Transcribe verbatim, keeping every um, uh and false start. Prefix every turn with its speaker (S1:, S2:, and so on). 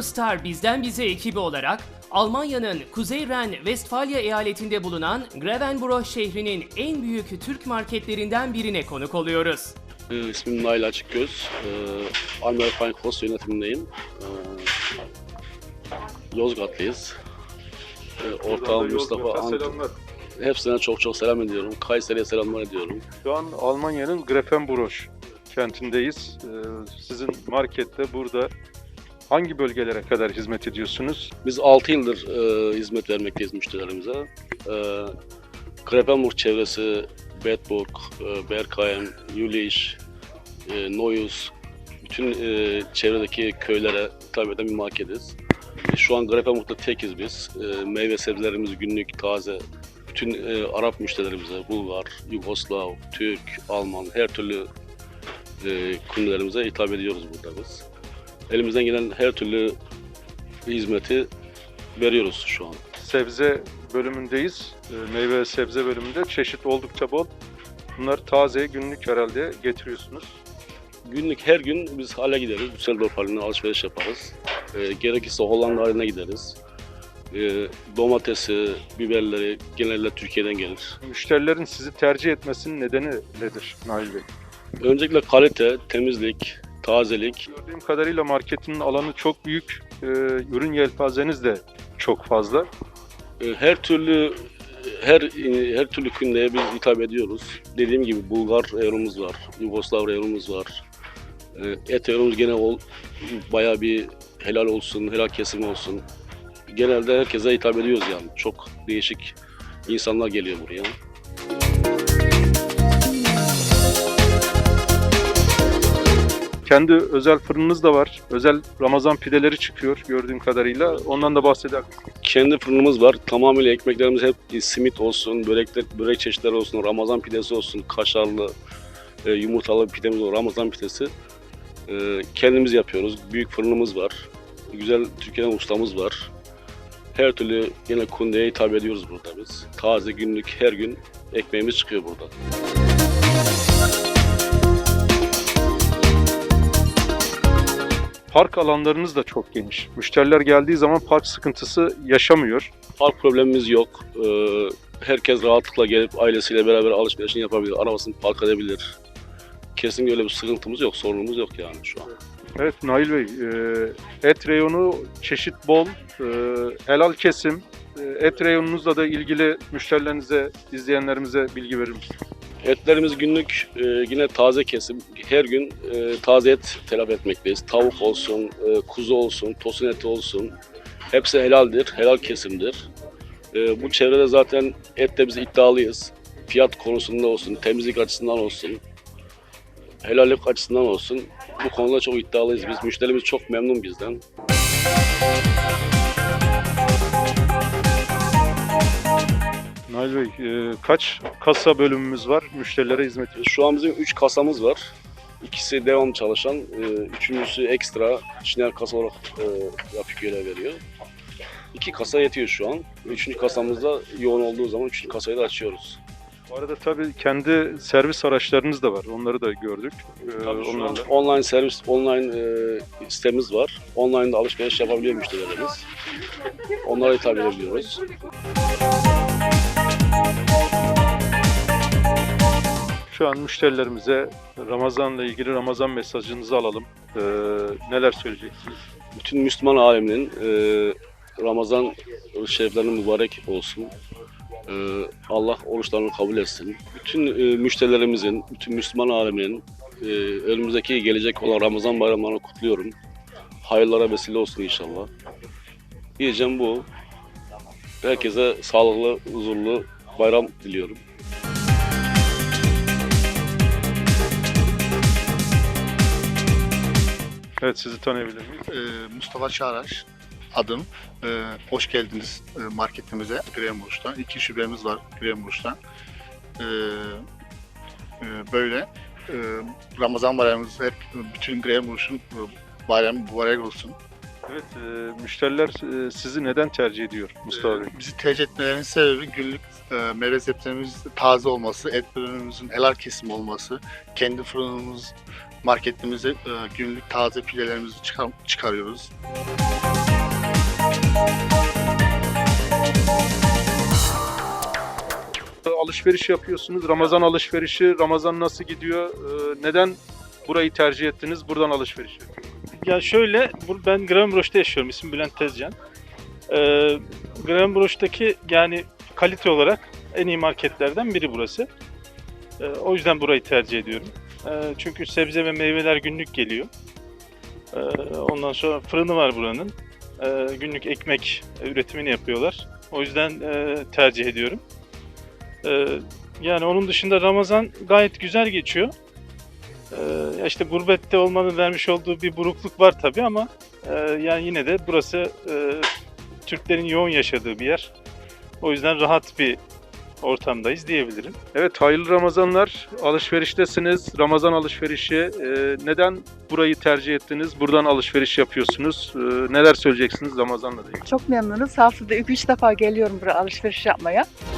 S1: Eurostar Bizden Bize ekibi olarak Almanya'nın Kuzey Ren-Vestfalya eyaletinde bulunan Grevenbroich şehrinin en büyük Türk marketlerinden birine konuk oluyoruz.
S2: Ee, İsmim Nail Açıkgöz. Ee, Almer Feinkos yönetimindeyim. Ee, Yozgatlıyız. Ee, ortağım Mustafa Ant. Hepsine çok çok selam ediyorum. Kayseri'ye selamlar ediyorum.
S3: Şu an Almanya'nın Grevenbroich kentindeyiz. Ee, sizin markette burada hangi bölgelere kadar hizmet ediyorsunuz?
S2: Biz altı yıldır e, hizmet vermekteyiz müşterilerimize. E, Grevenbroich çevresi, Bedburg, e, Berkheim, Jülich, e, Neuss, bütün e, çevredeki köylere hitap eden bir marketiz. E, şu an Grevenbroich'ta tekiz biz. E, meyve sebzelerimiz günlük, taze. Bütün e, Arap müşterilerimize, Bulgar, Yugoslav, Türk, Alman, her türlü e, kundelerimize hitap ediyoruz burada biz. Elimizden gelen her türlü hizmeti veriyoruz şu an.
S3: Sebze bölümündeyiz. Ee, meyve ve sebze bölümünde çeşit oldukça bol. Bunlar taze, günlük herhalde getiriyorsunuz.
S2: Günlük her gün biz hale gideriz. Düsseldorf haline alışveriş yaparız. E, gerekirse Hollanda haline gideriz. E, domatesi, biberleri genelde Türkiye'den gelir.
S3: Müşterilerin sizi tercih etmesinin nedeni nedir Nail Bey?
S2: Öncelikle kalite, temizlik, tazelik.
S3: Gördüğüm kadarıyla marketinin alanı çok büyük. Ee, ürün yelpazeniz de çok fazla.
S2: E, her türlü her her türlü kündeye biz hitap ediyoruz. Dediğim gibi Bulgar reyonumuz var, Yugoslav reyonumuz var. E, et reyonumuz gene ol, bayağı bir helal olsun, helal kesim olsun. Genelde herkese hitap ediyoruz yani. Çok değişik insanlar geliyor buraya.
S3: Kendi özel fırınınız da var. Özel Ramazan pideleri çıkıyor gördüğüm kadarıyla. Ondan da bahseder misiniz?
S2: Kendi fırınımız var. Tamamıyla ekmeklerimiz hep simit olsun, börekler, börek çeşitleri olsun, Ramazan pidesi olsun, kaşarlı, e, yumurtalı pidemiz var, Ramazan pidesi. E, kendimiz yapıyoruz. Büyük fırınımız var. Güzel Türkiye'den ustamız var. Her türlü yine kundeye hitap ediyoruz burada biz. Taze günlük her gün ekmeğimiz çıkıyor burada.
S3: Park alanlarınız da çok geniş. Müşteriler geldiği zaman park sıkıntısı yaşamıyor.
S2: Park problemimiz yok. Ee, herkes rahatlıkla gelip ailesiyle beraber alışverişini yapabilir, arabasını park edebilir. Kesinlikle öyle bir sıkıntımız yok, sorunumuz yok yani şu an.
S3: Evet Nail Bey, e, et reyonu çeşit bol, e, helal kesim. E, et reyonunuzla da ilgili müşterilerinize, izleyenlerimize bilgi verir misiniz?
S2: Etlerimiz günlük e, yine taze kesim. Her gün e, taze et telafi etmekteyiz. Tavuk olsun, e, kuzu olsun, tosun eti olsun. Hepsi helaldir, helal kesimdir. E, bu çevrede zaten ette biz iddialıyız. Fiyat konusunda olsun, temizlik açısından olsun, helallik açısından olsun. Bu konuda çok iddialıyız biz. Müşterimiz çok memnun bizden.
S3: Nail Bey, e, kaç kasa bölümümüz var müşterilere hizmet ediyor?
S2: Şu an bizim üç kasamız var. İkisi devam çalışan, e, üçüncüsü ekstra işler kasa olarak e, yapıp görev veriyor. İki kasa yetiyor şu an. Üçüncü kasamızda yoğun olduğu zaman üçüncü kasayı da açıyoruz.
S3: Bu arada tabii kendi servis araçlarınız da var. Onları da gördük. Ee,
S2: Tabii şu an
S3: onlarla.
S2: online servis, online e, sitemiz var. Online'da alışveriş yapabiliyor müşterilerimiz. Onlara hitap edebiliyoruz.
S3: Şu an müşterilerimize Ramazan'la ilgili Ramazan mesajınızı alalım. Ee, neler söyleyeceksiniz?
S2: Bütün Müslüman aleminin e, Ramazan şeriflerinin mübarek olsun. E, Allah oruçlarını kabul etsin. Bütün e, müşterilerimizin, bütün Müslüman aleminin e, önümüzdeki gelecek olan Ramazan bayramlarını kutluyorum. Hayırlara vesile olsun inşallah. Diyeceğim bu. Herkese sağlıklı, huzurlu bayram diliyorum.
S3: Evet, sizi tanıyabilir miyim?
S4: Ee, Mustafa Çağraş adım. Ee, hoş geldiniz e, marketimize Grevenbroich'tan. İki şubemiz var Grevenbroich'tan. Ee, e, böyle e, Ramazan bayramımız hep bütün Grevenbroich'un e, bayramı mübarek olsun.
S3: Evet, e, müşteriler e, sizi neden tercih ediyor Mustafa Bey?
S4: Ee, bizi tercih etmelerinin sebebi günlük e, meyve sebzelerimiz taze olması, et ürünümüzün helal kesim olması, kendi fırınımız, marketimize e, günlük taze filelerimizi çıkar, çıkarıyoruz.
S3: Alışveriş yapıyorsunuz. Ramazan alışverişi, Ramazan nasıl gidiyor? Ee, Neden burayı tercih ettiniz? Buradan alışveriş yapıyorsunuz.
S5: Ya şöyle, bu- ben Grafenbroech'te yaşıyorum. İsmim Bülent Tezcan. Ee, Grafenbroech'taki yani kalite olarak en iyi marketlerden biri burası. Ee, o yüzden burayı tercih ediyorum. Ee, çünkü sebze ve meyveler günlük geliyor. Ee, ondan sonra fırını var buranın. Ee, günlük ekmek üretimini yapıyorlar. O yüzden e, tercih ediyorum. Ee, yani onun dışında Ramazan gayet güzel geçiyor. Ee, ya işte gurbette olmanın vermiş olduğu bir burukluk var tabii ama e, yani yine de burası e, Türklerin yoğun yaşadığı bir yer. O yüzden rahat bir ortamdayız diyebilirim.
S3: Evet, hayırlı Ramazanlar. Alışveriştesiniz. Ramazan alışverişi. Ee, Neden burayı tercih ettiniz? Buradan alışveriş yapıyorsunuz. Ee, Neler söyleyeceksiniz Ramazan'la ilgili?
S6: Çok memnunuz. Haftada iki üç defa geliyorum buraya alışveriş yapmaya.